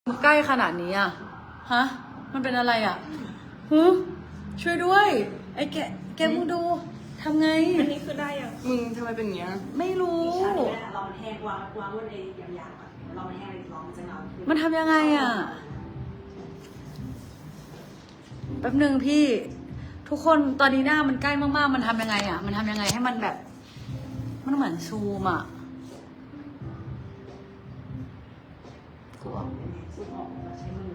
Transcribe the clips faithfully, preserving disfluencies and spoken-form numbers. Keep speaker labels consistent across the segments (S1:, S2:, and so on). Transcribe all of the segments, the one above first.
S1: ใกล้ขนาดนี้อ่ะฮะมันเป็นอะไรอ่ะฮึช่วยด้วยไอ้แกแกมึงดูทำไง
S2: อันนี้คือได้ยัง
S3: มึงทำไมเป็นอย่างเงี้ย
S1: ไม่รู้
S4: ชาดีแล้วเรามันแห้งวางวางบนไอ้ยางๆก่อนเรามันแห้งเรามันจะเงาขึ้น
S1: มันทำยังไงอ่ะแป๊บหนึ่งพี่ ทุกคนตอนนี้หน้ามันใกล้มากๆมันทำยังไงอ่ะมันทำยังไงให้มันแบบ มันเหมือนซูมอ่ะกูออก
S4: สูบออกเราใช้มือ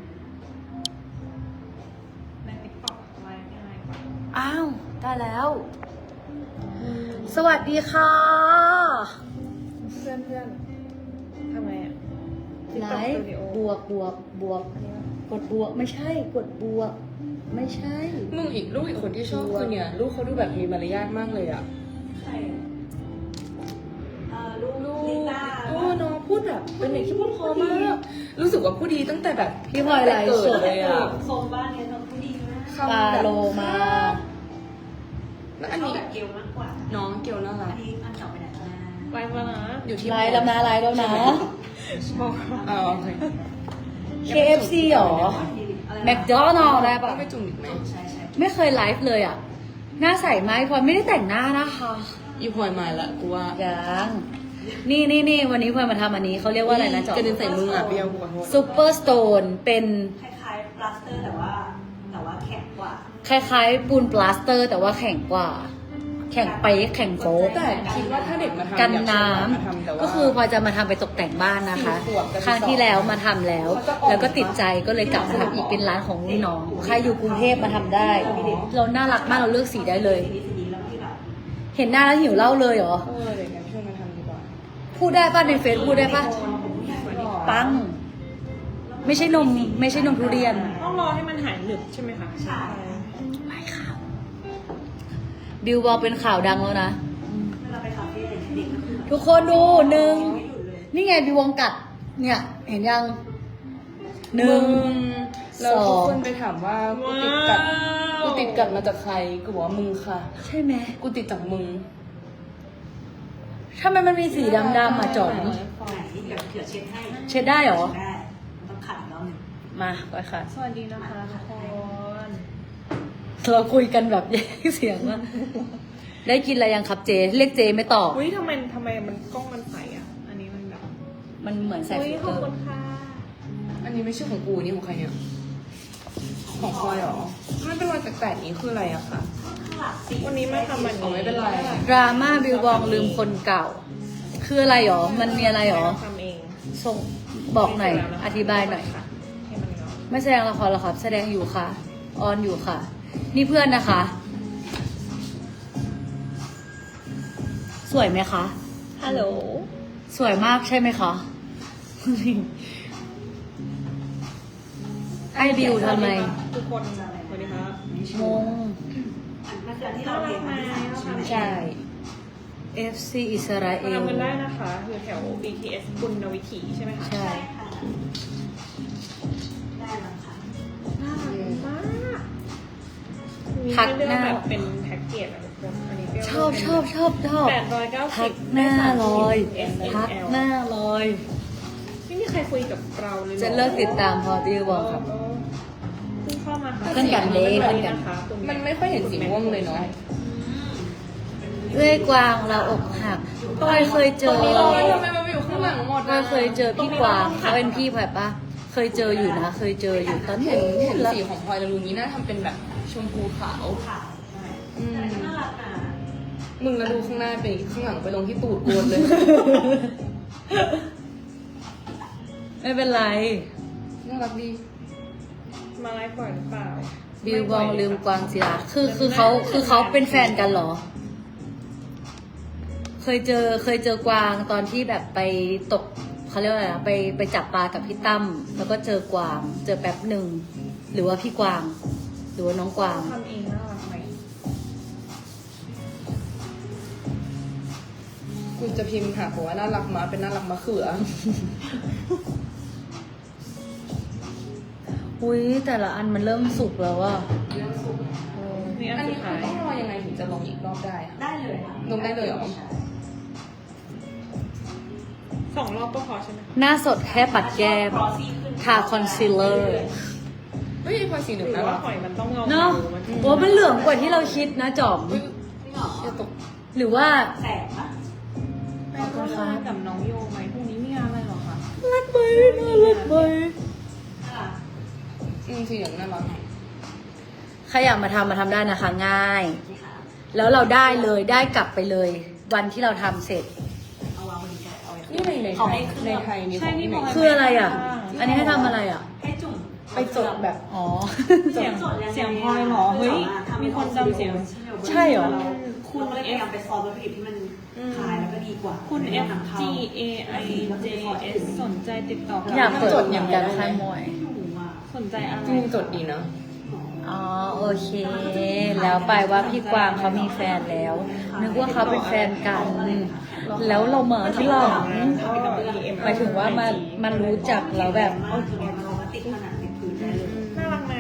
S2: ในติ๊กต็อกอะไรยังไงก่อน
S1: อ้าวได้แล้ว สวัสดีค่ะ
S2: เพื่อนเพื่อนทำไงอ่ะ
S1: ไลฟ์บวกบวกบวก กดบวกไม่ใช่ กดบวก ไม่ใช่
S3: มึงอีกลูกอีกคนที่ชอบคือเนี่ยลูกเขาดูแบบมีมารยาทมากเลยอ่ะ
S4: ใช่เอ่อลูก
S3: ลูก
S4: ลิต้า
S3: โอ้น้องพูดแบบเป็นเด็กที่พูดเพอมากรู้สึกว่าพูดดีตั้งแต่แบบ
S1: พี่พลอยไลฟ์สด
S3: เลยอ่ะ
S4: โซมบ้านเนี่ยน้องผู้ดีมาก
S3: คำ
S1: ปา
S3: แบบ
S1: โลมา
S3: แล้วอัน
S4: ชอบ
S3: นี้
S4: แบบเกลมากกว่า
S3: น้องเกียวน่ารั
S4: อั
S3: ก
S4: นนี้อันเก่าไปไหนแล้วนะ
S2: ไลฟ์แล้วนะ
S3: อยู่ที่
S1: ไลฟ์แล้วนะไลฟ์แล้วนะ
S2: บอก
S3: อ๋อโอเค
S1: เค เอฟ ซี หรอ แมคโดนัลด์ได้
S3: ต้
S1: ปะ
S3: องไปจุ่มอีกไหม
S4: ใช่ใช่
S1: ไม่เคยไลฟ์เลยอ่ะ หน้าใสไหมพลอยไม่ได้แต่งหน้านะคะ
S3: อีพลอยมาละกูว่า
S1: ยังนี่นี่นี่วันนี้พลอยมาทำอันนี้เขาเรียกว่าอะไรนะจอก
S3: ระเด็นใส่มึงอ่ะเปรี้ยวกูขอโทษ
S1: ซูเปอร์สโตนเป็น
S4: คล้ายๆปลาสเตอร์แต่ว่าแต่ว่าแข็งกว่า
S1: คล้ายๆปูนปลาสเตอร์ แต่ว่าแข็งกว่า แข็งไปแข็งโฟก
S3: แต่คิดว่าถ้าเด็กมาทำ
S1: กัน
S3: อยา
S1: น้
S3: ชวนมาทำแต่
S1: ำ
S3: ว่า
S1: ก็คือพลอยจะมาทำไปตกแต่งบ้านนะคะ
S3: สี่ขวบกับ
S1: ครั้งที่แล้วมาทำแล้ว
S3: เขาจะออก
S1: แล้วก็ติดใจก็เลยกลับมาทำอีกเป็นร้านของรุ่นน้องใครอยู่กรุงเทพมาทำได้ เราน่ารักมากเราเลือกสีได้เลย
S4: สีนี้สีนี้แล้วที่แบบ
S1: เห็นหน้าแล้วหิวเหล้าเลยเหรอ
S3: เออเด็กกันชวนมาทำดีกว่า
S1: พูดได้ป่ะในเฟซพูดได้ป่ะปัง ไม่ใช่นม ไม่ใช่นมทุเรียน
S2: ต้องรอให้มันหายหนึบใช่ไหมคะ
S4: ใช่
S1: ไม่ค่ะบิวบอกเป็นข่าวดังแล้วนะ
S4: เวลาไปคาเฟ่เด็กก็คือ
S1: ทุกคนดูหนึ่ง
S4: ไม่หยุดเลย
S1: นี่ไงบิววงกัด เนี่ย เห็นยังหนึ่ง
S3: แล้ว
S1: ส
S3: ทุ
S1: อก ง
S3: คนไปถามว่ากูติดกัดกูติดกัดมาจากใครกูบอกว่ามึงค่ะ
S1: ใช่ไหม
S3: กูติดจากมึง
S1: ทำไมมันมีสีดำๆอ่ะจอม
S4: ไหนเดี๋ยวเผื่อเช็ดให้
S1: เช็ดได้เหรอ
S4: ได้มันต้องขัดอีกรอบหนึ่ง
S1: มาไปค่ะ
S2: สวัสดีนะคะทุกคน
S1: เราคุยกันแบบแยกเสียงว่าได้กินอะไรยังครับเจ เรียกเจไม่ตอบ
S2: อุ้ยทำไมทำไมมันกล้องมันใสอ่ะ อันนี้มันแบบ
S1: มันเหมือนใส่
S2: อุ้ย
S1: ฟิล
S2: ข
S1: เต
S2: อบ
S1: อร์
S2: คุณค่ะ
S3: อันนี้ไม่ใช่ของกูนี่ของใครเนี่ยของพลอยเหรอไม่เป็นรอยแปลกๆนี้คืออะไรอะคะ
S4: ข้างหลังสี
S2: วันนี้มาทำอัน
S3: อ๋อ
S2: นี้
S3: ไม่เป็นไร
S1: ดราม่าบิวบองลืมคนเก่า คืออะไรหรอ มันมีอะไรหรอ
S2: ทำเอง
S1: ส่งบอกหน่อย อธิบายหน่อย
S2: ค่ะให้มันเนาะ
S1: ไม่แสดงละครหรอครับ แสดงอยู่ค่ะ ออนอยู่ค่ะ นี่เพื่อนนะคะ สวยไหมคะ
S2: ฮัลโหล
S1: สวยมากใช่ไหมคะ ไอบิวทำไม
S2: ทุกคนสวัสดีครับ
S1: งง
S4: มันคืออันที่
S2: น่า
S4: เรา
S2: รั
S4: เรีย
S2: ก
S4: น
S2: ไหม
S4: มาที่สาม
S2: เราทำ
S1: ใช่ เอฟ ซี อิสราเอ
S2: มา
S1: ล
S2: ทำกันได้นะคะอยู่แถว บี ที เอส บุญวิถีใช่ไหมคะ
S1: ใช่
S4: ใช่ค่ะได้แล้วค่ะ
S2: น่ารักมากมีให้เลือกแบบเป็นแพ็กเกจอะทุกคนอันนี้เปรี้ยว
S1: ชอบชอบชอบชอบ
S2: แปดร้อยเก้า
S1: พั
S2: สิ
S1: ก
S2: บ
S1: หน้าลอย
S2: เอส
S1: พัก
S2: เอล
S1: หน้าลอย
S2: ไม่มีใครคุยกับเราเลยหรอ
S1: จะเลิกติดตามพอบิวบอกครับ
S2: เพิ่งเข้ามาค่ะ
S1: เพื่อนกันเด้เพื่อนกัน
S2: ะคะคุณ
S3: มันไม่ค่อยเห็นสีม่วงเลยเนาะ
S1: เอ้ยกวางเราอกหักพลอยเคยเจอ
S3: โอ้ยทำไมมันอยู่ข้างหลังหมด
S1: พลอยเคยเจอพี่กวางเขาเป็นพี่พลอยปะเคยเจออยู่นะ เคยเจออยู่ตอน
S3: เห็
S1: เห็
S3: น
S1: น
S3: เห็น
S1: แล้ว
S3: สีของพลอยแล้วรู้งี้น่าทำเป็นแบบชมพูขาว
S4: ขาวใช่
S3: อืม
S4: แต่ก็น่ารักนะ
S3: มึงแล้วดูข้างหน้าไปข้างหลังไปลงที่ตูดโกนเลย
S1: ไม่เป็นไร
S3: น่ารักดี
S2: มาไลฟ์ก่อนหรือเปล่า
S1: บิวบองลืมกวางศิลาคือคือเขาคือเขาเป็นแฟนกันเหรอ เคยเจอเคยเจอกวางตอนที่แบบไปตกเขาเรียกว่าอะไรนะไปไปจับปลากับพี่ตั้มแล้วก็เจอกวาง เจอแป๊บหนึ่งหรือว่าพี่กวาง หรือว่าน้องกวาง
S2: ทำเองน่ารักไหม
S3: กูจะพิมพ์หาบอกว่าน่ารักมาเป็นน่ารักมะเขือ
S1: อุ้ยแต่ละอันมันเริ่มสุกแล้วอะ
S2: นี่อัน
S3: อัน
S2: สุ
S3: นี้
S2: ด
S3: คื
S2: ท้า
S3: อย ต้องรอยังไงถึงจะลงอีกรอบได้อะ
S4: ได้เลยค่ะ
S3: ลงได้เลยเหรอ
S2: สองรอบก็พอใช่ไหมคะ
S1: หน้าสดแค่ปัดแก้ม
S4: ครอซี่ขึ้น
S1: ทาคอนซีลเลอร์
S3: เฮ้ยไอ้พลอยสีเหลือง
S2: หรื
S3: น่า
S2: อว่า
S3: รัก
S2: หอยมันต้องเงา
S1: เนาะ
S2: มัน
S1: โอ้มันเหลืองกว่าที่เราคิดนะจอม
S3: อุ๊ย
S4: ไม่หรอ
S3: อย่าตก
S1: หรือว่า
S4: แสบปะ
S2: แม่ก็มากับน้องโยไหมพรุ่งนี้มีงานอะไรหรอคะ
S1: รักไหมน่ารักไหม
S4: น่ารัก
S3: อืมสีเหลืองน่ารัก
S1: ใครอยากมาทำมาทำได้นะคะ ง่าย
S4: นี่ค่ะ
S1: แล้วเราได้เลยได้กลับไปเลย วันที่เราทำเสร็จ
S4: เอาวางบนนี้ก่อนเอาไว้
S3: นี่ในในไท
S4: เขา
S3: ย
S4: ให้เครื่อง
S3: ในไทยนี่
S2: ใช่นี่
S3: ข
S2: บ
S3: อ
S2: อง ก
S3: ที่ไหน
S1: คืออะไรอ่ะ อันนี้ให้ทำอะไรอ่ะ
S4: ให้จุ่ม
S3: ไปจดแบบ
S1: อ๋อ
S2: เสียงเสียงพลอยเหรอเฮ้ยมีคนจำเสียง
S1: ใช่เหรอ
S4: คุณก็เลยพยายามไปซอฟต์วัตถุดิบที่มันคลายแล้วก็ดีกว่า
S2: คุณ F G A I J S สนใจติดต่อกับ
S1: อยากเปิด
S3: จดอย่าง
S1: กัน
S3: ไร
S1: ค่ายมวย
S2: สนใจอะไร
S3: จริงจดดีนะ
S1: อ๋อโอเค แล้วไปว่าพี่กวางเขามีแฟนแล้ว นึกว่าเขาเป็นแฟนกัน แล้วเรามาที่หลังหมายถึงว่ามามันรู้จักแล้วแบบ
S4: เอาจุดนี้มันมาติดผนังติดพื้นได้เลย
S2: น่ารักไหม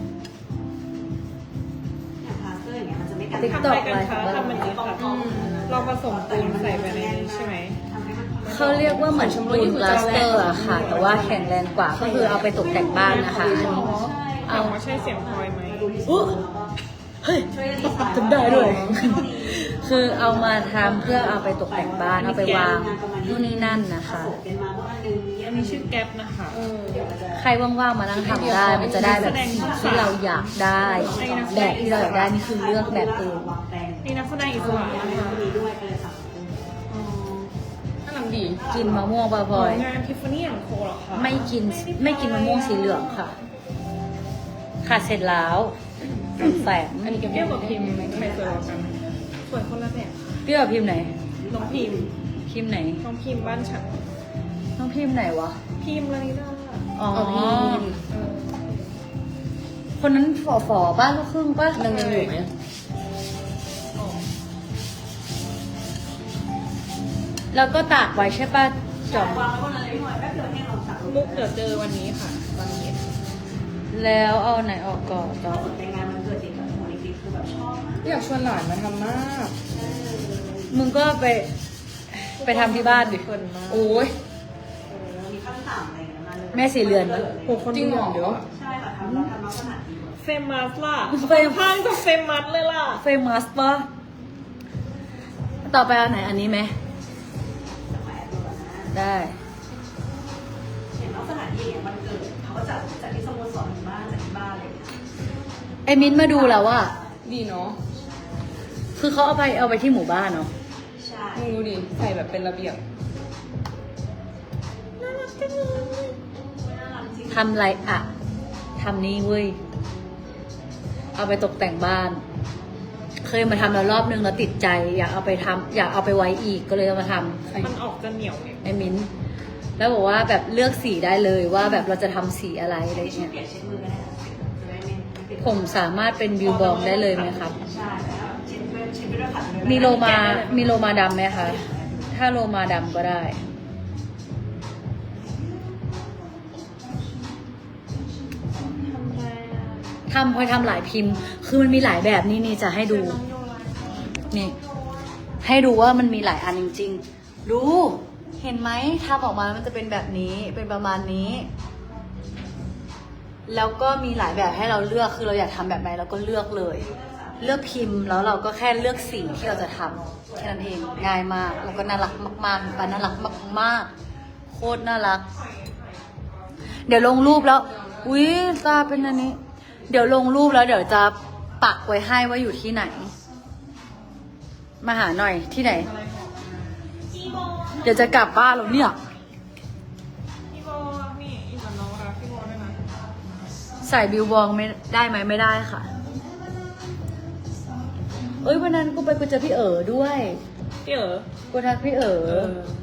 S4: อย่างพลาสเตอร์อย่างเงี้ยมันจะไม่กัน
S1: ติ๊ก
S2: ทำ
S1: ต็
S2: อะ
S1: อก
S2: ไรกันคะทำมันนี้ค่ะเราผสมปูนใส่ไปในนี้ใช่ไหม
S4: ทำให้มัน
S1: เขาเรียกว่าเหมือนปูนปลาสเตอร์อะค่ะ แต่ว่าแข็งแรงกว่าก็คือเอาไปตกแต่งบ้านนะคะอันนี้
S2: เอาว่าใช่เสียงพลอยไหม
S1: อุ๊ยเฮ้ยทำได้ด้วย คือเอามาทำเพื่อเอาไปตกแต่งบ้านเอาไปวางนู่นนี่นั่นนะคะ
S4: เป็นมาเมื่อวันหนึง
S2: อันนี้ชื่อแก๊ปนะคะ
S1: ใครว่างๆมานั่งทำได้ มันจะได้แบบสีที่เราอยากได้ แบบที่เราอยากได้นี่คือเลือกแบบเอง
S4: วางแปลง
S2: นี่นักแสดงอิสระ
S4: แล้ว
S2: นะ
S4: มัน
S2: คะ
S4: ก็มีด้วยก็เลยสั่ง
S3: น่ารักดี
S1: กินมะม่วงบ่อย
S2: งานทิฟฟานี่แอนด์โคเหรอคะ
S1: ๆไม่กินไม่กินมะม่วงสีเหลืองค่ะ ค่ะเสร็จแล้วแสง
S3: อันนี้ก็
S2: เทียบกับพิมพ์ใครสวยกว่ากันสวยคนละแบบค่ะ
S1: พี่กับพิมพ์ไหน
S2: น้องพิมพ์
S1: พิมพ์ไหน
S2: น้องพิมพ์บ้านฉัน
S1: น้องพิมพ์ไหนวะ
S2: พิมพ์ลานิดา
S1: อ๋อ
S3: เอาพิมพ์
S2: เออ
S1: คนนั้นฝ่อฝอๆบ้านลูกครึ่งป้า
S3: นางยังอยู่ไหม
S1: แล้วก็ตากไว้ใช่ป้าจอม
S4: วางไว้บนอะไรไม่หน่อยแป๊บเดียวให้เราสั่ง
S2: มุกเดี๋ยวเจอวันนี้ค่ะตอนเย็น
S1: แล้วเอาไหนออกก่อนจอ
S4: ถ้าม สนใจงานมันเกิดเด็กกับหัวเด็กๆคือแบบชอบมาก
S3: อยากชวนหลานมาทำมาก
S1: มึงก็ไปไปทำที่บ้านดิ
S2: คนมาก
S3: โอ้ย
S4: เออมีขั้นต่ำอะไรอย่างเงี้ยมาเลย
S1: แม่สีเรือนปะ
S2: โหคน
S3: จริงเหรอเดี๋ยว
S4: ใช่ค่ะทำเราทำลักษณะดีกว่า
S2: เฟมัสล่ะ
S1: เฟม
S2: ข้างกับเฟมัสเลยล่ะ
S1: เฟมัสปะต่อไปเอาไหนอันนี้ไหม
S4: แต่แหวนตัวนะ
S1: ได้
S4: เห็นลักษณะดีอย่างมันเกิดเขาก็จัดจัดที่สโมสรถึงบ้านจัดที่บ้านเลย
S1: ไอ้มิ้นท์มาดูแล้วว่า
S3: ดีเนาะ
S1: คือเขาเอาไปเอาไปที่หมู่บ้านเนาะ
S4: ใช่
S3: มึงดูดิใส่แบบเป็นระเบียบ
S4: น่ารักจริง
S1: ทำไรอะทำนี่เว้ย เอาไปตกแต่งบ้าน เคยมาทำแล้วรอบนึงแล้วติดใจ อยากเอาไปทำอยากเอาไปไว้อีกก็เลยเอามาทำ
S2: มันออกจะเหนียวไง
S1: ไอ้มิ้นท์แล้วบอกว่าแบบเลือกสีได้เลยว่าแบบเราจะทำสีอะไรอะไร
S4: เช็ด
S1: เงี้ย
S4: เปียกเช็ดมือก็ได้นะจะได้ไม่ไม่ติด
S1: ผมสามารถเป็นบิวบองได้เลยไหมครับ
S4: ใช่แล้วเช็ดไปเช็ดไปด้วยขัดไปด้วย
S1: มีโลมา มีโลมาดำไหมคะ ถ้าโลมาดำก็ได้
S2: ทำไรอ่ะ
S1: ทำพอยทำหลายพิมพ์ คือมันมีหลายแบบนี่นี่จะให้ดู
S2: น้องโยไลน์
S1: นี่ ให้ดูว่ามันมีหลายอันจริงๆ ดู เห็นไหมทำออกมาแล้วมันจะเป็นแบบนี้ เป็นประมาณนี้ แล้วก็มีหลายแบบให้เราเลือก คือเราอยากทำแบบไหนเราก็เลือกเลย เลือกพิมพ์แล้วเราก็แค่เลือกสีที่เราจะทำแค่นั้นเอง ง่ายมาก แล้วก็น่ารักมากๆปาน่ารักมากๆ โคตรน่ารัก เดี๋ยวลงรูปแล้ว อุ้ยตาเป็นอันนี้ เดี๋ยวลงรูปแล้วเดี๋ยวจะปักไว้ให้ว่าอยู่ที่ไหน มาหาหน่อยที่ไหน เดี๋ยวจะกลับบ้านแล้วเนี่ย
S2: พี่โบนี่อีกกับน้องรักพี่โบด้วยนะ
S1: ใส่บิวบองไม่ได้ไหมไม่ได้ค่ะ เอ้ยวันนั้นกูไปกูเจอพี่เอ๋อด้วย
S2: พี่เอ๋อ
S1: กูทักพี่เอ๋อ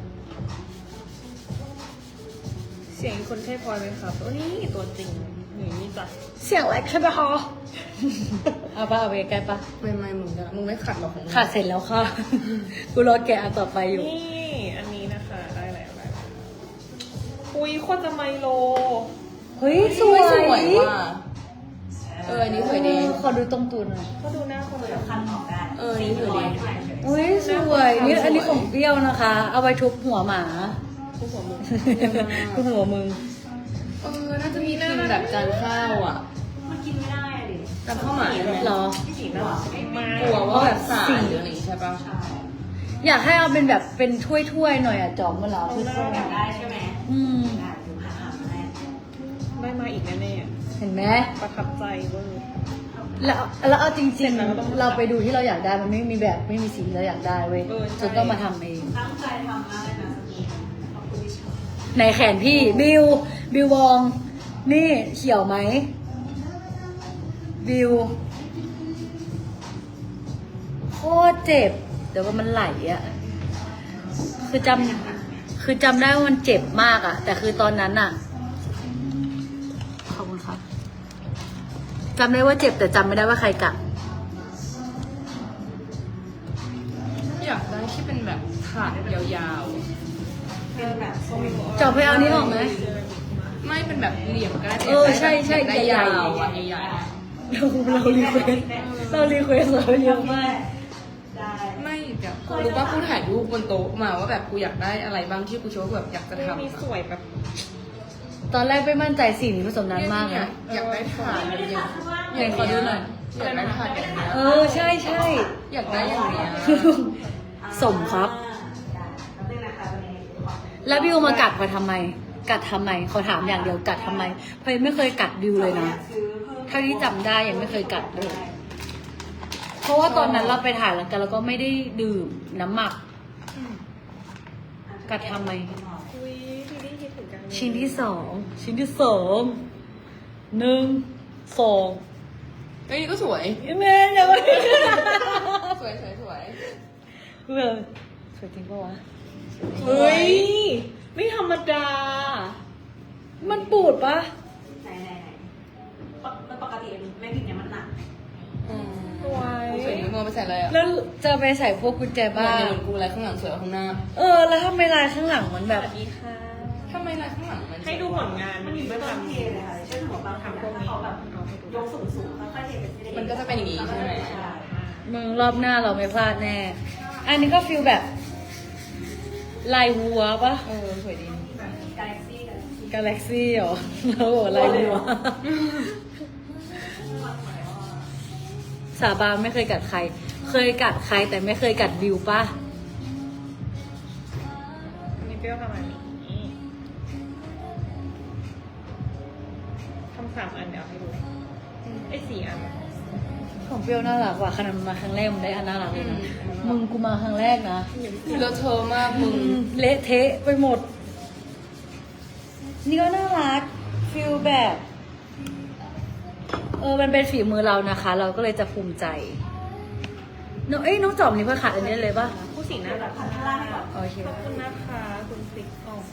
S2: เสียงคนใช่พลอยไหมครับโอ้นี่ตัวจริงหนีนี่จ้ะ
S1: เสียงแหลกใช่ไหมคะ เอาปะเอาไปใกล้ปะ
S3: ไม่ไม่มึงจะมึงไม่ขัดหรอกของมึง
S1: ขาดเสร็จแล้วค่ะ กูรอแกะอันต่อไปอยู่
S2: นี่อันนี้นะคะได้แล้วได้แล้วอุ้ยโคตรจะไมโล
S1: เฮ้ยส
S3: ส
S1: ว
S3: วย
S1: ย
S3: สวยว่ะเอออันนี้สวยดี
S1: ขอดูตรงตูนหน่อย
S2: ก็ดูหน้าคนเลย
S4: คันออกได้
S3: เออนี่สวยดี
S1: อุ้ยสวยนี่อันนี้ของเปรี้ยวนะคะ เอาไว้ทุบหัวหมา
S2: ผู้หัวมือ
S1: ทุบหัวมึง
S3: เออ น่าจะมีพิมพ์แบบจานข้าวอ่ะ
S4: มันกินไม่ได้อะดิ
S3: จานข้าวหมายไหม
S1: เหรอ
S2: พี่สีน่ารักมาก
S3: กลัวว่าแบบสายหรืออะไรอย่างงี้ใช่ปะ
S4: ใช่
S1: อยากให้เอาเป็นแบบเป็นถ้วยๆหน่อยอะจอมเวลาถ้วย
S4: อยากได้ใช่ไหม
S1: ๆอืม
S4: ได้ดูหาหามาให้
S2: ได้มาอีกแน่
S1: เห็นไหม
S2: ๆประทับใจเวอร์
S1: แล้วแล้วเอาจริง
S2: แล้วก็ต้อง
S1: ๆ เราไปดูที่เราอยากได้มันไม่มีแบบไม่มีสีที่เราอยากได้เว้ย
S2: เออใช่
S1: จนต้องมาทำเอง
S4: ตั้งใจทำมากเลยนะสกีขอบคุณที่ชอบ
S1: ในแขนพี่บิวบิววอง นี่เขียวไหมบิวโคตรเจ็บแต่ว่ามันไหลอะคือจำคือจำได้ว่ามันเจ็บมากอะแต่คือตอนนั้นอะขอบคุณครับจำได้ว่าเจ็บแต่จำไม่ได้ว่าใครกัด
S3: อยากได้ที่เป็นแบบถาดยาว
S4: เป็นแบบส้ม
S1: จอบไปเอานี้ออกไหม
S3: ๆ ไม่เป็นแบบเหลี่ยมก็ได้
S1: เออใช่ใช่
S3: ได้
S1: ใหญ่
S3: ยา
S1: ๆ
S3: วอ่ะใหญ่
S1: เราเรารีเควสเรารีเควสเราเยอะมาก
S4: ได้
S3: ๆไม่เดี๋ยวกูรู้ว่ากูถ่ายรูปบนโต๊ะมาว่าแบบกูอยากได้อะไรบ้างที่กูโชว์ว่าแบบอยากจะ
S2: เฮ้ย
S3: ทำ
S2: มี
S3: อะ
S2: สวยแบบ
S1: ตอนแรกไม่มั่นใจสีนี้ผสมนานมาก
S3: เนี่ย
S1: นะ
S3: อยากได้ถาดอย่างเงี้ย
S1: ไหนขอดูหน่อย
S3: อยากได้ถาดอย่างเงี้ย
S1: เออใช่ใช่
S3: อยากได้อย่างเงี้ย
S1: สมครับ
S4: ได้แล้วนึงนะคะวันนี้ขอ
S1: แล้วบิวมากัดมาทำไม กัดทำไมเขาถามอย่างเดียวกัดทำไมเพราะยังไม่เคยกัดบิวเลยนะ
S4: ซื้อเพิ่ม
S1: เท่าที่จำได้ยังไม่เคยกัดเลย เพราะว่าตอนนั้นเราไปถ่ายแล้วกันแล้วก็ไม่ได้ดื่มน้ำหมัก กัดทำไม
S2: อุ้ยพี่ได้คิดถึงกัน
S1: ชิ้นที่สองชิ้นที่สองหนึ่งสอง
S3: เฮ้ยนี่ก็สวย
S1: แม่อย่าไป
S3: สวยสวยสวย
S1: เพื่อนสวยจริงปะวะ
S2: เฮ้ยไม่ธรรมดา
S1: มันปูดปะ
S4: ไหนไหนไหนปกปกติแม่พิมพ์เนี่ยมันหนัก
S3: อืม
S2: สวย
S3: สวยนี่มึงเอาไปใส่อะไรอ่ะ
S1: แล้วจะไปใส่พวกกุญแจ
S3: บ้า
S1: บ้าน
S3: เหมือนกูอะไรข้างหลังสวยกว่าข้างหน้า
S1: เออ แล้วทำไมลายข้างหลังมันแบ
S2: ส
S1: บ
S2: วัสดีค่ะ
S3: ทำไมลายข้างหลังมัน
S2: ให้ดูผลงาน
S4: มันอยู่ไม่ต้องเทเลยค่ะเช่นหัวบางคำถ้าเขาแบบยกสูงสูงๆค่อยๆเทเป็นทีละ
S3: มันก็จะเป็นอย่างนี้ใช่ไหม
S4: ใช่
S1: มึงรอบหน้าเราไม่พลาดแน่ อันนี้ก็ฟิลแบบลายวัวปะ
S3: เออสวยดี
S4: แบบกาแล็กซี่กาแล็กซี่
S1: กาแล็กซี่เหรอเราบอกลายวัว สาบานไม่เคยกัดใคร เคยกัดใครแต่ไม่เคยกัดบิวปะ
S2: อันนี้เปรี้ยวประมาณนี้ทำสามอันเดี๋ยวให้ดูไอ้สี่อัน
S1: ของเปรี้ยวน่ารักว่ะขนาดมันมาครั้งแรกมันได้อันน่ารักเลยนะ มึงกูมาครั้งแรกนะ
S3: เลอะเทอะมากมึง
S1: เละเทะไปหมด นี่ก็น่ารักฟิลแบบ เออ มันเป็นฝีมือเรานะคะ เราก็เลยจะภูมิใจน้องเอ้ยน้องจอมนี่เพื่อขาดอันนี้เลยป่ะ
S2: ผู้สีน่า
S4: แบ
S2: รับ ก
S4: พันข้างล่างให้ก่อน
S1: โอเค
S2: ขอบคุณนะคะคุณฟิกออก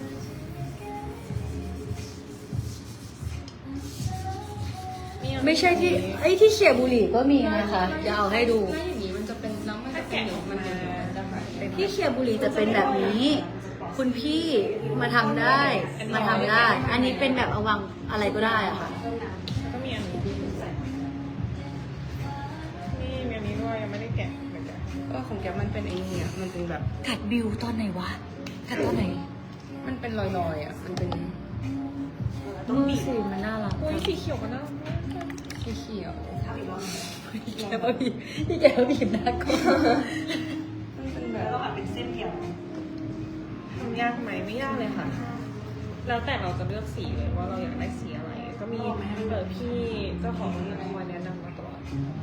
S1: ไม่ใช่ที่ไอ้ยที่เชียร์บุหรี่ก็มีนะคะจะเอาให้ดู
S3: ถ้าอย่างนี้มันจะเป็นแล้วมันจะเป็นอย่างมันจะมันจะหายไป
S1: ที่เชียร์บุหรี่จะเป็นแบบนี้ คุณพี่มาทำได้ มาทำได้ อันนี้เป็นแบบเอาวางอะไรก็ได้อะค่ะ
S2: แล้วก็มีอันนี้นี่มีอันนี้ด้วยยังไม่ได้แกะเหมือนกัน
S3: เออของแกมันเป็นไอ้นี่อ่ะมันเป็นแบบ
S1: กัดบิวตอนไหนวะ กัดตอนไหน
S3: มันเป็นรอยๆอ่ะมันเป็น
S1: มือสีมันน่ารัก
S2: อุ้ยสีเขียวก็น่ารักมาก
S3: สีเขียว
S4: ทำอีกรอบหนึ่ง
S1: แกว่าบีที่แกว่าบีบหน้าก็
S3: มันเป็นแบ
S4: แล้ว
S3: บ
S4: ก็แบบเป็นเส้นเดียว
S2: ทำยากไหมไม่ยากเลยค่ะ แล้วแต่เราจะเลือกสีเลยว่าเราอยากได้สีอะไร ก็มีเปิดพี่เจ้าของคอยแนะนำมาตลอด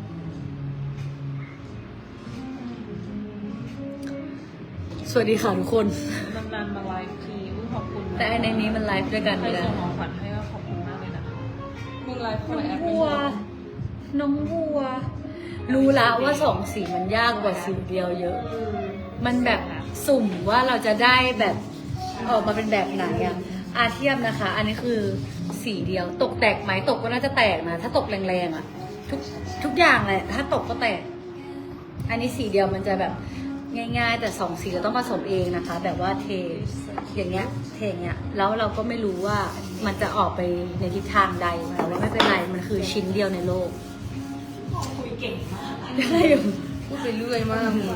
S1: สวัสดีค่ะทุกคน
S2: นานๆมาไลฟ์ทีอุ้ยขอบคุณนะ
S1: แต่ในนี้มันไลฟ์ด้วยกัน
S2: ใคร
S1: ไม่ได้
S2: ส่งของขวัญให้ก็ขอบคุณมากเลยนะคะ
S3: มึงไลฟ์คน
S1: น้
S3: ละ
S1: อง
S3: แอป
S1: บัว น้องบัว รู้แล้วว่าสองสีมันยากกว่าสีเดียวเยอะ มันแบบสุ่มว่าเราจะได้แบบออกมาเป็นแบบไหนอะอาเทียมนะคะ อันนี้คือสีเดียว ตกแตกไหมตกก็น่าจะแตกนะ ถ้าตกแรงๆอะทุกทุกอย่างเลยถ้าตกก็แตก อันนี้สีเดียวมันจะแบบง่ายๆ แต่สองสีเราต้องผสมเองนะคะ แบบว่าเทอย่างเงี้ยเทอย่างเงี้ยแล้วเราก็ไม่รู้ว่ามันจะออกไปในทิศทางใดแต่ว่าไม่เป็นไรมันคือชิ้นเดียวในโลก
S4: คุยเก่งมาก
S1: ได้อยู่
S3: พูดไปเรื่อยมากมึง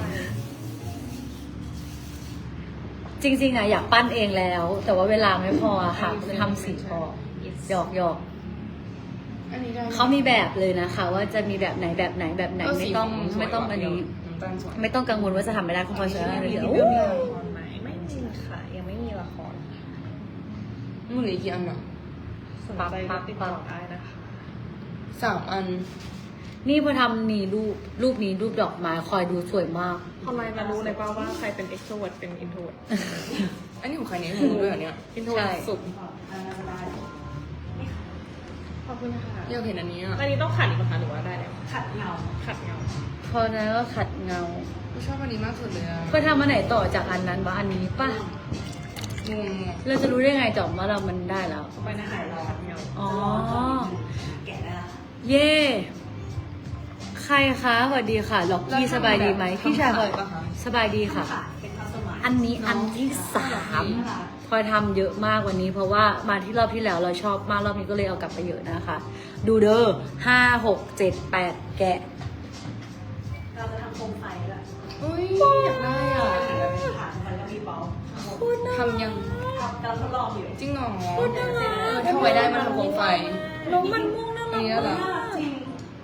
S1: จริงๆอะอยากปั้นเองแล้ว แต่ว่าเวลาไม่พออะค่ะจะทำสีพอ
S2: yes
S1: หยอกหยอก
S3: อันนี้ได้ไห
S1: เขามีแบบเลยนะคะ ว่าจะมีแบบไหนแบบไหนแบบไหน
S3: เ
S1: ไม่ต้อง
S3: สีข
S1: ไม่ต้อง
S3: สวย
S1: อันนี้
S3: น้ำตาลสวย
S1: ไม่ต้องกังวลว่าจะทำไม่ได้คุณพลอยเชื่ออะไร
S2: มี
S1: เดี๋ยว
S2: เรื่องละครไหมไม่มีค่ะยังไม่มีละคร
S3: มึงเหลืออีกกี่อันอ่ะ
S2: สนใจก็ติดต่อได้นะคะ
S3: สามอัน
S1: นี่พอทำนี่รูปรูปนี้รูปดอกไม้คอยดูสวยมาก
S2: ทำไมมารู้เลยป่าว่าใครเป็น extrovert เป็น introvert
S3: อันนี้ของใครเนี่ยมึงด้วยเหรอเนี่ย
S2: introvert สุด
S4: อ่าได้
S2: ขอบคุณค่ะ
S3: อยากเห็นอันนี้อ่ะ
S2: อันนี้ต้องขัดอีกไหมคะหรือว่าได้แล้ว
S4: ขัดเงา
S2: ขัดเงา
S1: พอนั้นก็ขัดเงา
S3: กูชอบอันนี้มากสุดเลยอ่ะ
S1: พอทำอันไหนต่อจากอันนั้นวะอันนี้ป่ะ
S3: งงอ่ะ
S1: เราจะรู้ได้ไงจอมว่าเรามันได้แล้ว
S2: ไปนะขัดขัดเงา
S1: อ๋อ
S4: แกะได้ละ
S1: เย่ ใครคะสวัสดีค่ะ ล็อกกี้สบายดีไหม พี่ชายพลอยสบายดีค่ะ
S4: ค่ะเป็นคัสตอมไมซ์
S1: อันนี้อันที่สามพลอยทำเยอะมากวันนี้ เพราะว่ามาที่รอบที่แล้วเราชอบมากรอบนี้ก็เลยเอากลับไปเยอะนะคะ ดูเด้อห้าหกเจ็ดแปดแกะ
S4: เราจะทำโคมไฟด้วย
S3: อุ้ยอยากได้อ่ะ
S4: แล้วเป็นฐานมันก็มีเบล
S3: ทำยัง
S4: ทำเราทดลองอยู่
S3: จริงเหรอเออถ้าไว้ได้มันทำโคมไฟ
S1: น้องมันม่วงน่า
S3: อั
S1: รั
S3: น
S1: ก
S3: นี้เหรอ
S1: มาก
S4: จริง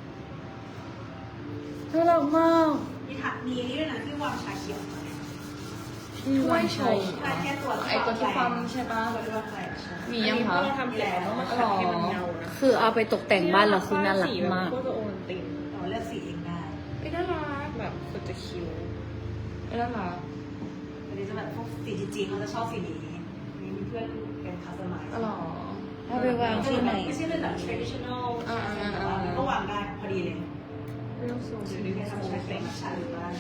S1: น่ารักมาก
S4: มีฐานมีนี่ด้วยนะที่วางชาเขียว
S1: ที่วางชม
S4: ชาแค่ตัว
S3: ไอตัวที่ความใช่ปะ
S4: ตัวที่วางไฟใช่
S3: มียังคะ
S2: เราทำเสร็จแล้วต้องมาขัดให้มันเงานะ
S1: คือเอาไปตกแต่งบ้านเราคือน่ารักมาก
S2: ก็จะโอวัลติน
S4: เราเลือกสีเองได้
S3: ไม่น่ารัก
S2: แบบสุดจะคิ้ว
S3: ไม่น่ารัก
S4: อันนี้จะแบบพวกสีจีนเขาจะชอบสีนี้นี่มีเพื่อนเป็นคัสตอมไมซ์
S3: อ๋อเหรอ
S1: เอาไปวางที่ไหน
S4: ไม่ใช่เป็นแบบ traditional
S3: อ่าอ่าอ่า
S4: ก็วางได้พอดีเลย
S2: เรื่องสูง
S4: ห
S2: อยู่
S4: รือ
S2: ใน
S4: แค่
S2: ส
S4: ทำ
S2: มู
S4: ใช้
S2: ท
S4: เป็
S2: เต็
S4: น
S2: ง
S4: ชาหรือบ้าน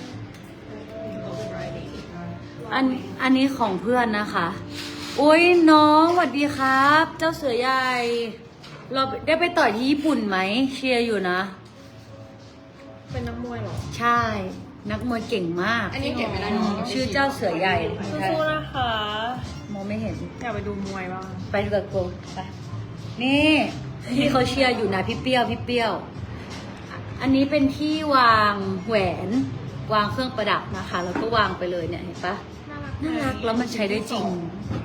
S1: อันอันนี้ของเพื่อนนะคะ อุ้ยน้องสวัสดีครับ เจ้าเสือใหญ่ เราได้ไปต่อยที่ญี่ปุ่นไหม เชียร์อยู่นะ
S2: เป็นนักมวยเหรอ
S1: ใช่ นักมวยเก่งมาก
S3: อันนี้เก็บไม่ได้เนอะ
S1: ชื่อเจ้าเสือใหญ่
S2: สู้ๆนะคะ
S1: มองไม่เห็น
S2: อยากไปดูมวยบ้าง
S1: ไปดูกับโกไปนี่ที่เขาเชียร์อยู่นะพี่เปรี้ยวพี่เปรี้ยว อันนี้เป็นที่วางแหวน วางเครื่องประดับนะคะ แล้วก็วางไปเลยเนี่ยเห็นปะ
S2: น่ารัก
S1: น่ารักแล้วมันใช้ได้จริง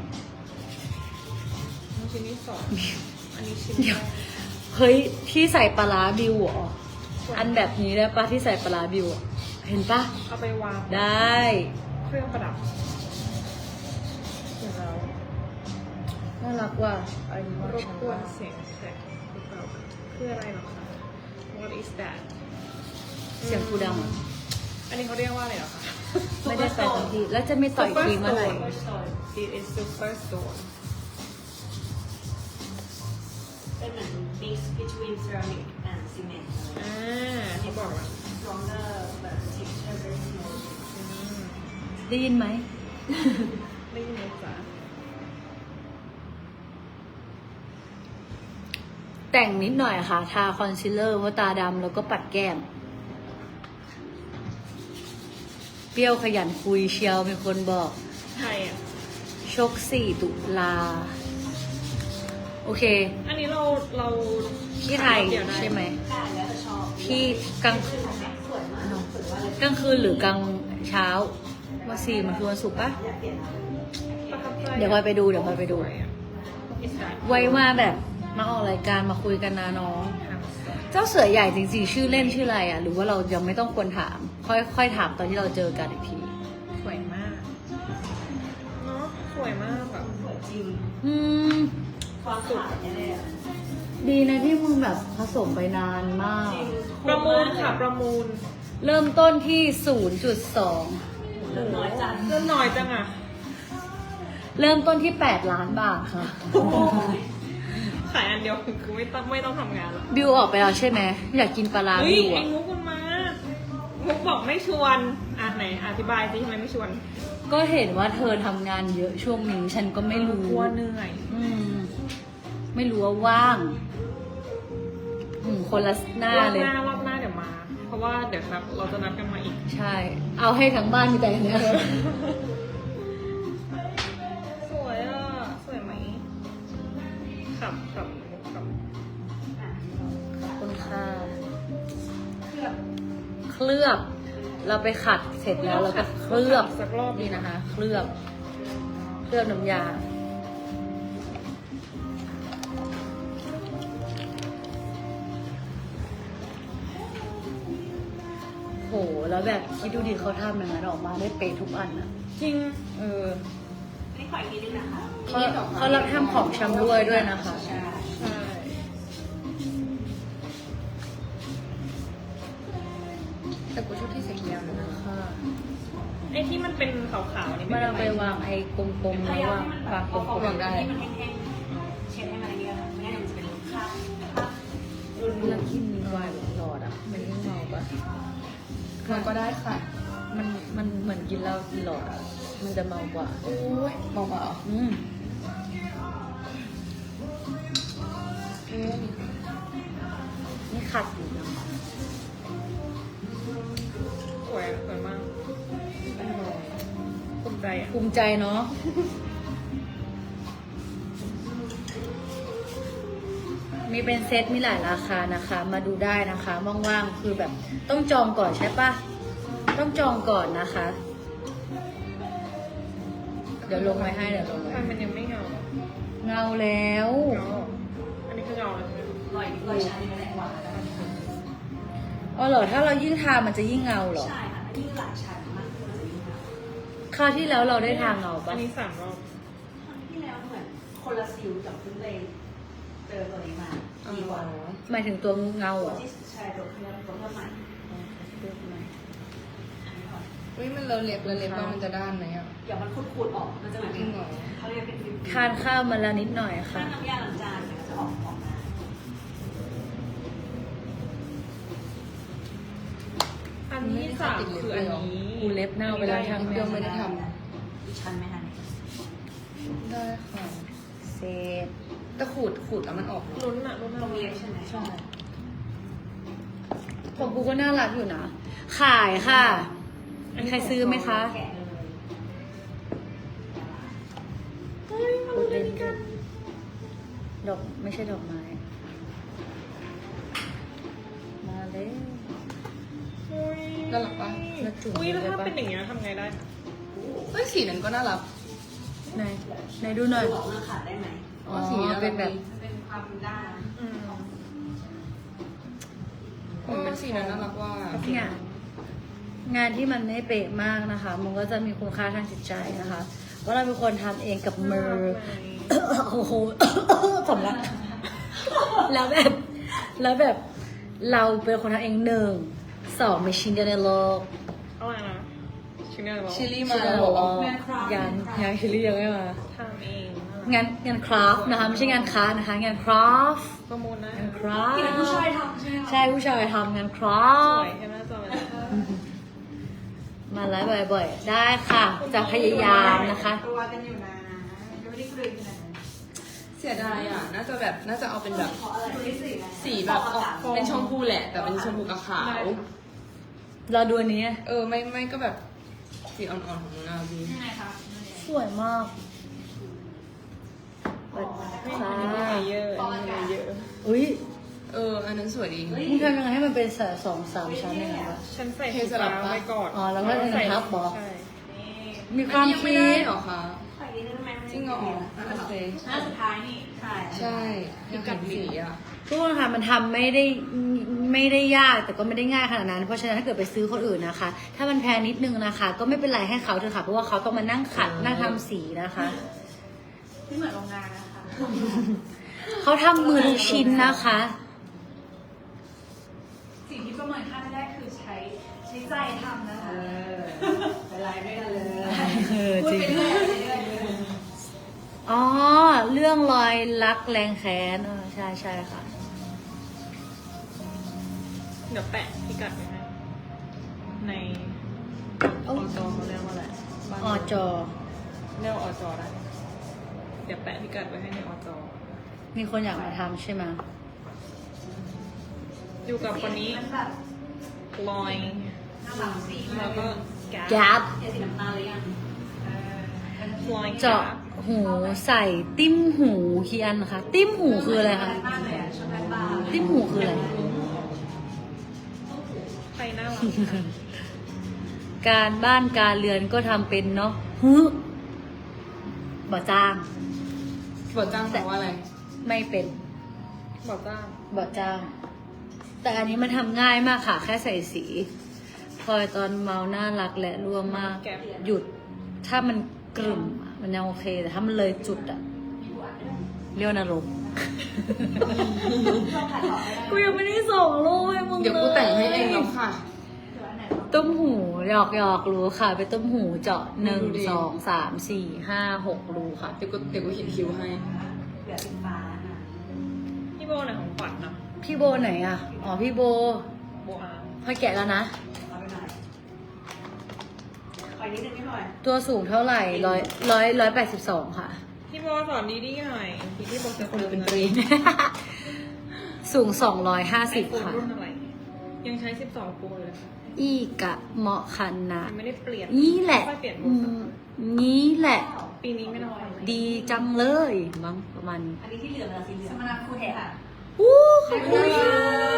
S2: ชิ้นที่สองอันนี้ชิ้น
S1: เดี๋ยว เฮ้ยที่ใส่ปลาร้าบิวเหรอ อันแบบนี้ได้ปะที่ใส่ปลาร้าบิวอะเห็นปะ
S2: เอาไปวาง
S1: ได้
S2: เครื่องประดับเสร็จแล้ว
S1: น่ารักว่ะอันนี้
S2: รบกวนเสียงแขกหรือเปล่าคืออะไรหรอคะ What is that
S1: เสียงกูดังอะ
S2: อันนี้เขาเรียกว่าอะไรเหรอคะ
S1: ไม่ได้ไปทันทีแล้วจะไม่ต่อยทีเมื่อไหร่
S2: It is super stone
S4: เป็นเหมือน mix between ceramic and cement
S2: อ่าเขาบอกว่า
S4: stronger but the texture very smooth
S1: ได้ยินไหม
S2: ได้ยินไหมจ๊ะ
S1: แต่งนิดหน่อยค่ะ ทาคอนซีลเลอร์เพราะตาดำแล้วก็ปัดแก้ม เปรี้ยวขยันคุยเชียวมีคนบอก
S2: ไทยอ่ะ
S1: ชกสี่ตุลา โอเค
S2: อันนี้เราเรา
S1: ที่ไทย
S2: เดี๋ยวด้
S1: ใช่ไหม
S4: ได้แล้วแต่ชอบ
S1: ที่กลาง
S4: สวยมากสวยว่าเลย
S1: กลางคืนหรือกลางเช้าวันสี่มันคือวันศุกร์ปะ
S4: อยากเปลี่ยนอะไร
S2: ประทับใจ
S1: เดี๋ยวพลอยไปดูเดี๋ยวพลอยไปดู
S2: สวยอะ Is that
S1: ไว้มาแบบมาออกรายการมาคุยกันนะน้อง เจ้าเสือใหญ่จริงๆชื่อเล่นชื่ออะไรอ่ะ หรือว่าเรายังไม่ต้องควรถาม ค่อยค่อยถามตอนที่เราเจอกันอีกที
S2: สวยมากเนาะสวยมากแบบ
S4: สวยจริง
S1: อืม
S4: ความขาวเนี่ยเลยอะ
S1: ดีนะที่มึงแบบผสมไปนานมาก
S4: จริง
S2: ประมูลค่ะประมูล
S1: เริ่มต้นที่ ศูนย์จุดสอง
S4: เริ่มน้อยจัง
S2: เริ่มน้อยจังอ่ะ
S1: เริ่มต้นที่ แปด ล้านบาทค่ะ
S2: ขายอันเดียวคือไม่ต้องไม่ต้องทำงานละ
S1: บิวออกไปแล้วใช่ไหม อยากกินปลาร้า
S2: เฮ้ย
S1: บิว
S2: ไอ้
S1: อ่ะ
S2: มุกมันมา มุกบอกไม่ชวนอ่ะไหนอธิบายสิทำไมไม่ชวน
S1: ก็เห็นว่าเธอทำงานเยอะช่วงนี้ ฉันก็ไม่รู้
S2: กลัวเหนื่อย
S1: อืม ไม่รู้ว่าว่าง อืม คนละหน้าร
S2: อบ
S1: เลย
S2: หน้ารอบหน้าเดี๋ยวมา เพราะว่าเดี๋ยวครับเราจะนัดกันมาอีก
S1: ใช่ เอาให้ทั้งบ้านมีแต่อันเนี้ย
S2: สวยอ่ะ สวยไหมขับขับมุกขับ
S1: ขอบคุณค่ะ
S4: เคลือบ
S1: เคลือบ เราไปขัดเสร็จแล้วเราก็เคลือบ
S2: สักรอบ
S1: นี่นะคะ เคลือบ เคลือบน้ำยาโหแล้วแบบคิดดูดิเขาทำอย่างนั้นออกมาได้เป๊ะทุกอันอะ
S2: จริง
S1: เออ
S4: อันนี้ขออีกนิดนึงนะคะ
S1: เขาเขารับทำของชำร่วยด้วยนะคะ
S4: ใช่
S2: ใช่
S3: แต่กูชอบที่เซ็กแนวนะ
S1: ค่ะ
S2: ไอ้ที่มันเป็นขาวๆนี่
S1: มั
S2: ไม่
S1: น
S2: เป็น
S1: เอา
S2: ไร
S1: ไปวางไอ้กลมๆ
S4: พ
S1: แล้ว
S4: ยายาม
S1: ว่า
S4: ให้มันแบบ
S1: วางก
S4: พอ
S1: ล
S4: เขา
S1: ม
S4: แบบที่มันแห้งๆเช็ดให้มันอะไรเงี้ยค่ะไม่งั้นเดี๋ยวมันจะเป็นคราบคราบรุน
S1: ๆแล้วกินมีวายหลอดอ่ะมันยิ่งเมาปะ
S3: มันก็ได้ค่ะ
S1: มันมันเหมือนกินเหล้ากินหลอดอ่ะมันจะเมากว่า
S3: โอ้ยเบาๆเหรอ
S1: อืม
S3: เอ๊ะ
S1: นี่ขัดอยู่นะ
S2: สวยสวยมากภูมิใจอ่ะ
S1: ภูมิใจเนาะมีเป็นเซตมีหลายราคานะคะ มาดูได้นะคะว่างๆคือแบบต้องจองก่อนใช่ปะต้องจองก่อนนะคะ เดี๋ยวลงไว้ให้เดี๋ยวลงไว้
S2: ทำไมมันยังไม่เงา
S1: เงาแล้ว
S2: เงาอันนี้คือเงาแล้วใช่ไหม
S4: ลอยลอยชั้นนี่แหละหวานแล้วกัน
S1: อ๋อเหรอถ้าเรายิ่งทามันจะยิ่งเงาเหรอ
S4: ใช่ค่ะอันนี้หลายชั้นมากมันจะยิ่งหนา
S1: คราวที่แล้วเราได้ทาเงาปะ
S2: อันนี้สามรอบ
S4: ครั้งที่แล้วเหมือนคนละซิลกับเพิ่งเลยเจอตัวนี้มาดีกว่า
S1: หมายถึงตัวเงาเหรอ
S4: ที่ใช่ตัวเพื่อนตัวเพื่อนใหม่อันนี้ก่อน
S3: เฮ้ยมันเลอะเล็บเลอะเล็บว่ามันจะด้านไหมอ่ะ
S4: เดี๋ยวมันขูดๆออกมันจะเหมือน
S3: จริงเหรอ
S4: เขาเรียกเป็นฟิล์ม
S1: ทานข้าวมาแล้วนิดหน่อย
S4: ถ้า
S1: ค่ะ
S4: น้ำยาล้างจานเนี่ยมันจะออกออกมา
S2: อันนี้สามคืออันนี้
S1: กูเล็บเน่าไปแล้วทั้ง
S3: เดี๋ยวไม่ได้ท
S4: อีกชั้นไหมคะ
S3: ำได้ค่ะ
S1: เซต
S3: แต่ขูดขูดแล้วมันออกเนอะ
S2: ลุ้นอะลุ้น
S4: ตรงนี้ใช่ไหม
S3: ใช่
S1: ของกูก็น่ารักอยู่นะ ขายค่ะมีใครซื้อไหมคะ
S4: แกะเลย
S2: เฮ้ยมาลุ้นอันนี้กัน
S1: ดอกไม่ใช่ดอกไม้ มาเลย
S2: เฮ้ย
S3: น่ารักปะ
S1: แล้วจุ่ม
S2: อุ้ยแล้ว
S1: ได้
S2: ถ้า
S1: ปะ
S2: เป็นอย่างเงี้ยทำไงได้คะ
S3: เฮ้ยสีนั้นก็น่ารัก
S1: ไหนไหนดูหน่อย
S4: ดูออกหน้าขาดได้ไหม
S1: อ๋อเป็นแบบ
S4: มันเป็นความด้าน
S2: อืม
S3: เออสีนั้นน่ารักว่า
S1: งานงานที่มันไม่เป๊ะมากนะคะ มันก็จะมีคุณค่าทางจิตใจนะคะเพราะเราเป็นคนทำเองกับมือ โอ้โห สำลักแล้วแบบ แล้วแบบ เราเป็นคนทำเองหนึ่ง สองมีชิ้นเดียวในโลก
S2: เอาอะไรนะชิ้นเดียวบอก
S3: ชิลลี่
S1: ชิ้
S3: มาน
S1: เดียวใน
S3: แล้ว
S1: โล
S3: เหรอก
S1: ยังยังชิลลี่ยังไม่มา
S2: ทำเอง
S1: งานงานคราฟต์นะคะ ไม่ใช่งานค้านะคะ งานคราฟต์
S2: ประมูลนะ
S1: งานคราฟ
S4: ที่เป็นผู้ชาย
S1: ต์
S4: ทำใช่ไหมคะ
S1: ใช่ผู้ชายทำงานครา
S2: ส
S1: ฟ
S2: วย
S1: ต์
S2: ใช่ไหมจอย
S1: มาไลฟ์บ่อยๆ ได้ค่ะ จะพยายามนะคะ
S4: ตัวกันอยู่นะยังไม่ได้คุยกันนะ
S3: เสียดายอ่ะ น่าจะแบบน่าจะเอาเป็นแบบ
S4: เพราะอะไรตัวที่สี่นะ
S3: สีแบบออกเป็นชมพูแหละ แต่เป็นชมพูกับขาว
S1: เราดูอันนี้
S3: เออไม่ไม่ก็แบบสีอ่อนๆของมึงอ่ะพี่
S4: ยังไงคะ
S1: สวยมากสวัสดี
S2: อั
S1: ค่ะ
S2: นนี้มีเลเยอร์อันนี้มีเลเยอร์
S1: อุ้ย
S3: เออ อันนั้นสวยดี
S1: มึงทำยังไงให้มันเป็นสองสามชั้นยังไงวะ
S2: ฉันใส่
S3: เท
S2: สี
S3: สลับ
S2: ฟ้า
S3: ปะ
S2: ไปก่อน
S1: อ๋อแล้วก็เป็นทับเหรอ
S2: ใช่
S1: มีความ
S3: ยังไม่
S1: คิ
S3: ได้
S1: ด
S3: เหรอคะ
S4: ใส่นิดนึงไหม
S3: จริงเหรอโอเค
S4: หน้าสุดท้ายนี่ ใช่
S3: ใช่ยังกัดสีอ่ะ
S1: ทุกคนค่ะมันทำไม่ได้ไม่ได้ยากแต่ก็ไม่ได้ง่ายขนาดนั้น เพราะฉะนั้นถ้าเกิดไปซื้อคนอื่นนะคะ ถ้ามันแพงนิดนึงนะคะ ก็ไม่เป็นไรให้เขาเถอะค่ะเพราะว่าเขาต้องมานั่งขัดนั่งทำสีนะคะ
S4: ไม่เหมือนโรงงานนะคะ
S1: เขาทำมือทุกชิ้นนะคะ
S4: สิ่งที่ประเมินค่าแรกคือใช้ใช้ใจทำนะคะไปไลฟ์ด้วยกันเลย
S1: เออ
S4: พูด
S1: จริง
S4: ไปเรื่อยไปเรื่อย
S1: อ๋อเรื่องรอยรักแรงแค้นเออใช่ใช่ค่ะ
S2: เดี๋ยวแปะพิกัดไว้ให้ในอจเขาเรียกว่าอะไรบ้าน
S1: อจอ
S2: เรียกว่าอจได้เดี๋ยวแปะพิกัดไว้ให้ในอจ
S1: มีคนอยากมาทำใช่ไหม
S2: อยู่กับคนนี้
S4: มันแบบ
S2: ลอย
S4: น่ารักสี
S2: แล้วก็แก๊
S1: แก๊บ
S4: เห็นสีน้ำตาลหรือยังเออ
S2: ลอย
S1: เจาะหูใส่ติ้มหูเคียนนะคะ ติ้มหูคืออะไรคะ
S4: มากเลยอ่ะชอบแม่บ้าน
S1: ติ้มหูคืออะไร
S2: ใครน่ารัก
S1: การบ้านการเรือนก็ทำเป็นเนาะฮึบ่จ้าง
S3: บทจ้างแปลว่าอะไร
S1: ไม่เป็น
S2: บอกจ้าง
S1: บ่จ้าง แต่อันนี้มันทำง่ายมากค่ะ แค่ใส่สีพลอยตอนเมาน่ารักและรั่วมาก หยุด ถ้ามันกลุ่มอะมันยังโอเค แต่ถ้ามันเลยจุดอะเรียกนรก กูยังไม่ได้ส่งรูปให้มึง
S3: เดี๋ยวกูแต่งให้เองแล้วค่ะ
S1: ต้มหูหยอกหยอกรูค่ะ ไปต้มหูเจาะหนึ่ง
S3: ดูดิ
S1: สองสามสี่ห้าหกรูค่ะ
S3: เดี๋ยวกูเดี๋ยวกูเขียนคิวให้
S4: เหลือสีฟ้านะ
S2: พี่โบไหนของขวัญเนาะ
S1: พี่โบไหนอะอ๋อพี่โบ
S2: โบอาร์
S1: พลอยแกะแล้วนะ
S4: เอาไปหน่อยขออีกนิดนึงไม่หน่อย
S1: ตัวสูงเท่าไหร่ร้อยร้อยร้อยแปดสิบสองค่ะ
S2: พี่โบสอนดีๆหน่อยพี่พี่โบจะ
S3: คนเป็นตรี
S1: สูงสองร้อยห้าสิบ
S2: ไอโฟน
S1: ค่ะ
S2: รุ่นอะไร ยังใช้สิบสองโปรเลยค่ะ
S1: อีกะเหมาะคันนะ
S2: ยังไม่ได้เปลี่ยน
S1: นี่แหละ
S2: ค่อยเปลี่ยนโบ
S1: อื
S2: สัก
S1: มนี่แหละ
S2: ปีนี้ไม่ต้องทำอะไร
S1: ดีจังเลยมั้งประมาณนี้
S4: อันนี้ที่เหลือเป็นสีเหลืองสมนาคุณค่ะ
S1: อู้ขอบคุณค่ะ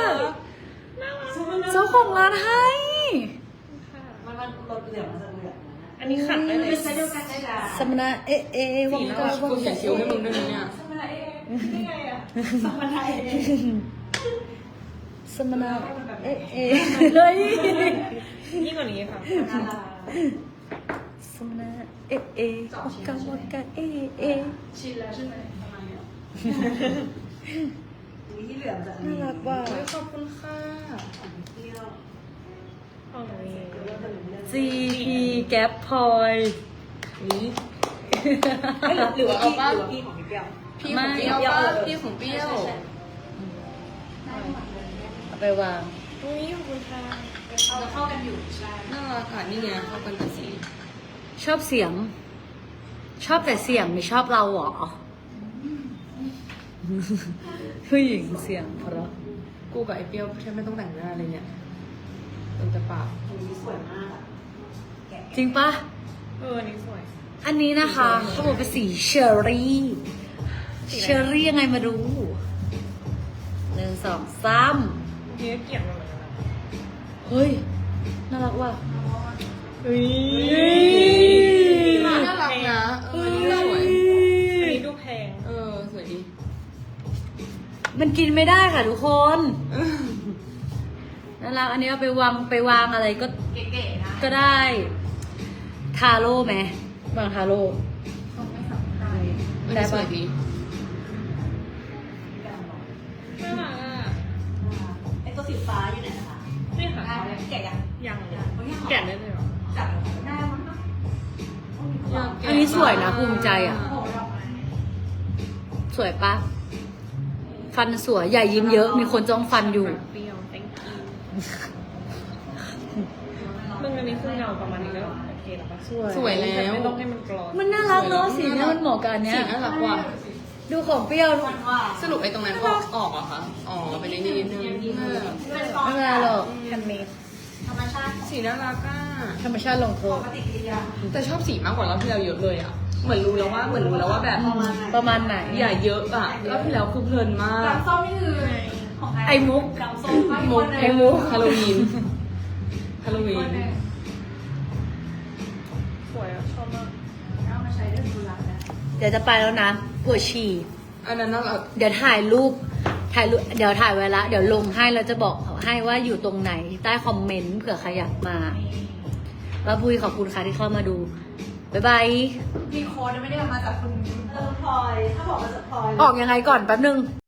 S1: เจ้าของร้านให้
S4: มันมันลดเหลืองมันจะเหลืองนะ
S2: อันนี้ขัดได้เลย
S4: เป็นไซส์เดียวกันได้จ้ะ
S1: สมณะเอะเอะวังกาวั
S3: กู
S1: ง
S3: เขียนคิวให้มึงด้วยนะเนี่ย
S4: สมนาเอ๊ะนี่ไงอ่ะสมนาเอ๊ะ
S1: สมณะเอะเอะเลย
S2: ยิ่งกว่านี้ค่ะ
S1: สมณะเอะเอะวังกาวังกาเอะเอะ
S4: ชินแล้วใช่ไหมประมาณนี้อันนี้ที่เหลืองจะอัน
S1: น่า
S4: นี้
S1: รักว่ะ
S3: เฮ้ยขอบคุณค่ะ
S4: เที่ยว
S2: ของนี้
S1: จี พี แก๊ปพลอย
S3: นี่
S4: หรือว่าพี่หรือว่าพี่ของพี่เปรี้ยว
S3: พี่ของเปรี้ยวป้าพี่ของเปรี้ยว
S1: เอาไปวาง
S2: อุ้ยขอบคุณค่ะ
S4: เราจะเข้ากันอยู่ใช่
S3: น่ารักค่ะนี่ไงเข้ากันกับสี
S1: ชอบเสียง ชอบแต่เสียงไม่ชอบเราเหรอผู้หญิงเสียงเพราะ
S3: กูกับไอ้เปรี้ยวแทบไม่ต้องแต่งหน้าเลยเนี่ยเป็นแต่ปาก
S4: อันนี้สวยมากอะแกะ
S1: จริงปะ
S2: เอออันนี้สวย
S1: อันนี้นะคะเขาบอกเป็นสีเชอร์รี่ เชอร์รี่ยังไงมาดูหนึ่งสองสาม
S2: เนี้ยเกลียดมันเหมือนกันนะ
S1: เฮ้ย น่ารักว่ะ
S2: เฮ้ย
S3: น่ารักนะเออนี่สวย
S2: อันนี้ดูแพง
S3: เออสวยดี
S1: มันกินไม่ได้ค่ะทุกคน น่ารักอันนี้เอาไปวางไปวางอะไรก็
S4: เก๋ๆนะ
S1: ก็ได้ ทาโร่ไหมวางทาโร่
S3: มัน
S1: ได้
S3: สว
S1: ปะ
S3: ยดี
S2: น่ารักอ่ะ
S4: ไอตัวสีฟ้าอยู่ไหนนะคะ
S2: นี่ค่ะ
S4: ได้ไหมแกะยัง
S2: ยังแกะได้เลยเหรอ
S4: จับได้มั้ง
S1: อันนี้สวยนะภูมิใจอ่ะ
S4: โอ้โหดอกไม้
S1: สวยปะ ฟันสวยใหญ่ยิ้มเยอะ มีคนจ้องฟันอยู่
S2: เปรี้ยว thank you มึงอันนี้คือเงาประมาณนี้ก็โอเคแล้วปะ
S1: สวย
S3: สวยแล้ว
S2: ไม่ต้องให้มันกรอน
S1: มันน่ารักเนาะสีเนี้ยมันเหมาะกับอันเนี้
S3: สี
S1: ย
S3: น่ารักว่ะ
S1: ดูของเปรี้ยวดู
S4: มันว่า
S3: สรุปไอ้ตรงนั้นออกออกเหรอคะอ๋อเป็นไอ้นี่นิดนึงเออ
S4: เป็นฟอง
S1: ไม่เป็นไรหรอก
S2: แฮนด์เมด
S4: ธรรมชาติ
S3: สีน่ารักอ่ะ
S1: ธรรมชาติลงโท
S4: ป
S1: ษ
S4: กติกิริยา
S3: แต่ชอบสีมากกว่ารอบที่เราเยอะเลยอ่ะ เหมือนรู้แล้วว่าเหมือนรู้แล้วว่าแบบ
S1: ประมาณไหน
S3: อย่าเยอะอ่ะรอบที่แล้วคือเพลินมาก
S4: กำส้มนี่คือของใคร
S1: ไอ้มุก
S4: กำส้ม
S3: มุก
S1: ไอ้มุก
S3: ฮาโลวีนฮาโลวีน
S2: สวยอ่ะ ชอบมาก
S4: เอามาใช้ได้ดูรักนะ
S1: เดี๋ยวจะไปแล้วนะปวดฉี่
S3: อันนั้นน่ารัก
S1: เดี๋ยวถ่ายรูป ถ่ายรูป เดี๋ยวถ่ายไว้ละ เดี๋ยวลงให้แล้วจะบอกให้ว่าอยู่ตรงไหน ใต้คอมเมนต์เผื่อใครอยากมาแล้วบุยขอบคุณค่ะที่เข้ามาดู บ๊ายบาย
S4: มีโค้ดไม่ได้มาจากคุณเออพลอย ถ้าบอกมาจากพลอย
S1: ออกยังไงก่อนแป๊บนึง